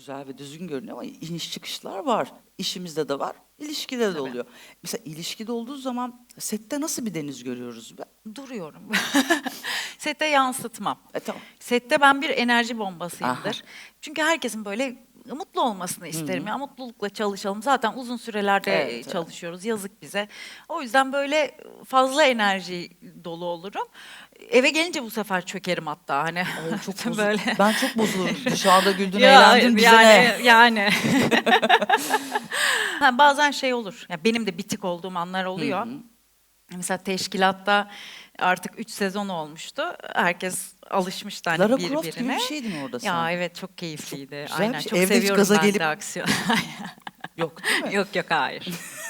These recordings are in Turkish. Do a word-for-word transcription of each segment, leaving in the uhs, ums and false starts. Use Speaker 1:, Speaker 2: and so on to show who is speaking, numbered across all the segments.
Speaker 1: güzel ve düzgün görünüyor ama iniş çıkışlar var. İşimizde de var, ilişkide de
Speaker 2: Tabii.
Speaker 1: oluyor. Mesela ilişkide olduğu zaman sette nasıl bir Deniz görüyoruz be?
Speaker 2: Duruyorum. Sette yansıtmam.
Speaker 1: E tamam.
Speaker 2: Sette ben bir enerji
Speaker 1: Aha.
Speaker 2: bombasıyımdır. Çünkü herkesin böyle mutlu olmasını isterim. Ya mutlulukla çalışalım. Zaten uzun sürelerde
Speaker 1: Evet, evet.
Speaker 2: çalışıyoruz. Yazık bize. O yüzden böyle fazla enerji dolu olurum. Eve gelince bu sefer çökerim hatta hani.
Speaker 1: Ay, çok bozul-
Speaker 2: böyle.
Speaker 1: Ben çok bozulurum. Dışarıda güldün,
Speaker 2: Ya,
Speaker 1: eğlendin, bize
Speaker 2: yani,
Speaker 1: ne?
Speaker 2: yani. Ha, bazen şey olur. Ya benim de bitik olduğum anlar oluyor. Mesela teşkilatta artık üç sezon olmuştu. Herkes alışmıştı hani
Speaker 1: Lara
Speaker 2: birbirine.
Speaker 1: Croft gibi bir şeydin orada sen.
Speaker 2: Ya evet, çok keyifliydi.
Speaker 1: Çok güzel bir
Speaker 2: Aynen,
Speaker 1: şey.
Speaker 2: çok
Speaker 1: Evde hiç
Speaker 2: seviyorum
Speaker 1: gaza
Speaker 2: ben
Speaker 1: gelip-
Speaker 2: de aksiyon.
Speaker 1: Yok değil mi?
Speaker 2: Yok yok, hayır.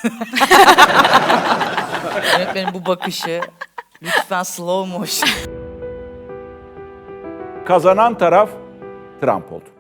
Speaker 1: Yönetmenin bu bakışı. Lütfen slow motion.
Speaker 3: Kazanan taraf Trump oldu.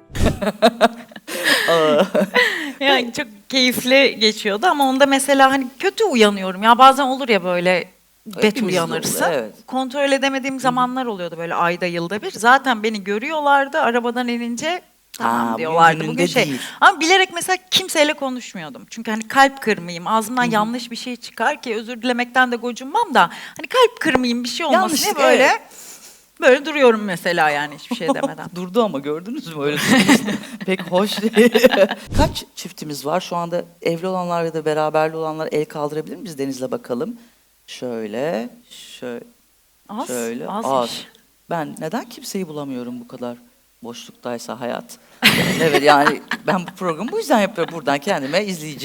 Speaker 2: Yani çok keyifli geçiyordu ama onda mesela hani kötü uyanıyorum. Ya bazen olur ya böyle bet
Speaker 1: Hepimizde
Speaker 2: uyanırsın.
Speaker 1: oluyor, evet.
Speaker 2: Kontrol edemediğim zamanlar oluyordu böyle ayda yılda bir. Zaten beni görüyorlardı arabadan inince. Tamam
Speaker 1: Aa, bugün
Speaker 2: diyorlardı.
Speaker 1: gününde
Speaker 2: Bugün şey.
Speaker 1: değil.
Speaker 2: Ama bilerek mesela kimseyle konuşmuyordum. Çünkü hani kalp kırmayayım. Ağzımdan yanlış bir şey çıkar ki özür dilemekten de gocunmam da. Hani kalp kırmayayım, bir şey olmasın diye
Speaker 1: Yanlışlık,
Speaker 2: böyle
Speaker 1: evet.
Speaker 2: böyle duruyorum mesela, yani hiçbir şey demeden.
Speaker 1: Durdu ama gördünüz mü öyle durması? Pek hoş değil. Kaç çiftimiz var? Şu anda evli olanlar ya da beraberli olanlar el kaldırabilir mi? Biz Deniz'le bakalım. Şöyle, şöyle,
Speaker 2: Az,
Speaker 1: şöyle.
Speaker 2: azmış.
Speaker 1: Az. Ben neden kimseyi bulamıyorum bu kadar boşluktaysa hayat? Evet, yani ben bu programı bu yüzden yapıyorum, buradan kendime izleyici.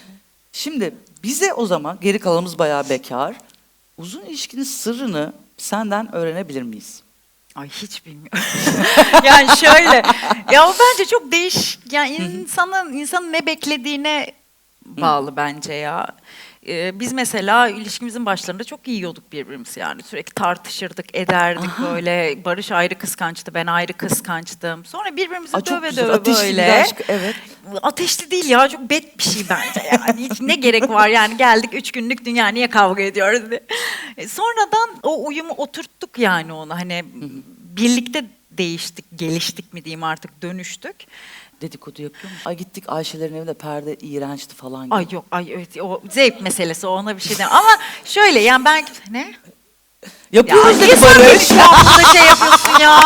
Speaker 1: Şimdi bize o zaman, geri kalanımız bayağı bekar. Uzun ilişkinin sırrını senden öğrenebilir miyiz?
Speaker 2: Ay, hiç bilmiyorum. Yani şöyle, ya o bence çok değişik. Yani insanın insanın ne beklediğine bağlı bence ya. Ee, biz mesela ilişkimizin başlarında çok iyi yiyorduk birbirimizi, yani sürekli tartışırdık, ederdik böyle. Barış ayrı kıskançtı, ben ayrı kıskançtım. Sonra birbirimizi
Speaker 1: Aa, çok
Speaker 2: döve
Speaker 1: güzel.
Speaker 2: döve
Speaker 1: Ateşli bir
Speaker 2: böyle.
Speaker 1: aşk, evet.
Speaker 2: Ateşli değil ya, çok bet bir şey bence yani. Hiç ne gerek var yani, geldik üç günlük dünya, niye kavga ediyoruz diye. E, sonradan o uyumu oturttuk yani onu, hani birlikte değiştik, geliştik mi diyeyim artık, dönüştük.
Speaker 1: Dedikodu yapıyor musun? Ay gittik Ayşe'lerin evinde, perde iğrençti falan gibi.
Speaker 2: Ay yok, ay evet, o zevk meselesi, o, ona bir şey demem. Ama şöyle yani ben, ne? Ya
Speaker 1: Yapıyoruz
Speaker 2: niye
Speaker 1: dedi
Speaker 2: sen benim
Speaker 1: Barış.
Speaker 2: şu anda şey yapıyorsun ya?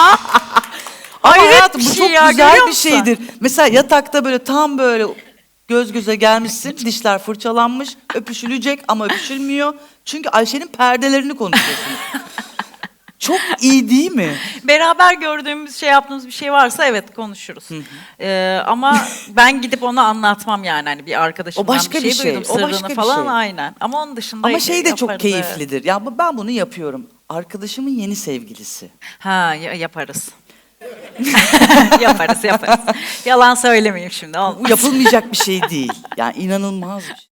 Speaker 1: Ama
Speaker 2: Hayret
Speaker 1: hayatım
Speaker 2: bir
Speaker 1: bu
Speaker 2: şey
Speaker 1: çok
Speaker 2: ya,
Speaker 1: güzel
Speaker 2: görüyor
Speaker 1: bir
Speaker 2: musun?
Speaker 1: şeydir. Mesela yatakta böyle tam böyle göz göze gelmişsin, dişler fırçalanmış, öpüşülecek ama öpüşülmüyor. Çünkü Ayşe'nin perdelerini konuşuyorsunuz. Çok iyi değil mi?
Speaker 2: Beraber gördüğümüz, şey yaptığımız bir şey varsa evet konuşuruz. Ee, ama ben gidip onu anlatmam yani, hani bir arkadaşımdan
Speaker 1: O başka
Speaker 2: bir şey,
Speaker 1: bir şey,
Speaker 2: duydum
Speaker 1: o
Speaker 2: sırrını
Speaker 1: başka bir
Speaker 2: falan,
Speaker 1: şey.
Speaker 2: aynen. Ama onun dışında
Speaker 1: Ama şey de çok
Speaker 2: yaparız,
Speaker 1: keyiflidir. Ya bu- ben bunu yapıyorum. Arkadaşımın yeni sevgilisi.
Speaker 2: Ha, ya- yaparız. yaparız yaparız. Yalan söylemeyeyim şimdi.
Speaker 1: Bu
Speaker 2: Olmaz.
Speaker 1: yapılmayacak bir şey değil. Yani inanılmaz bir şey.